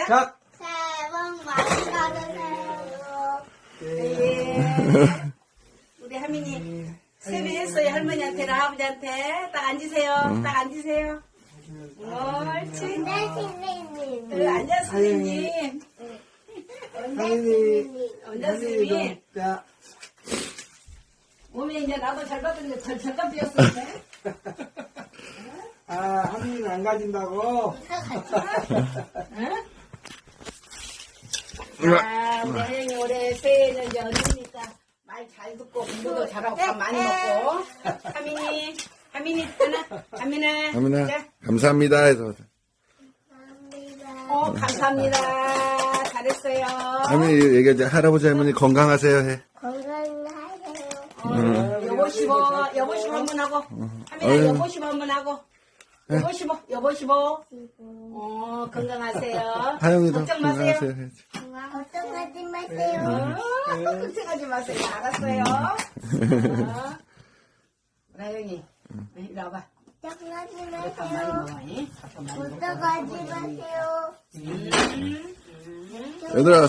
시작. 새해 복 많이 받으세요. 예. 우리 하민이 세배했어요. 할머니한테랑 아버지한테. 딱 앉으세요. 딱 앉으세요. 옳지. 네, 선생님. 앉아 선생님. 하민이, 앉아 선생님. 자, 몸에 이제 나도 잘 받았는데 절간 비었었네. 하민이는 안 가진다고. 응? 우리 하영이 올해 새해는 이제 어디입니까? 말 잘 듣고 공부도 잘하고 밥 많이 먹고. 하민이 하민아. 하민아, 자. 감사합니다 해서. 감사합니다. 잘했어요. 하민이 얘기하지. 할아버지 할머니 건강하세요 해. 건강하세요. 여보시보 한번 하고. 하민아 여보시보 한번 하고. 여보시보. 건강하세요. 하영이도 걱정 마세요. 건강하세요 해. 걱정하지 마세요. 걱정하지 마세요. 알았어요. 하영이 이리 와봐. 걱정하지 밥 많이 마세요. 먹어. 밥 많이 먹어. 걱정하지 마세요. 얘들아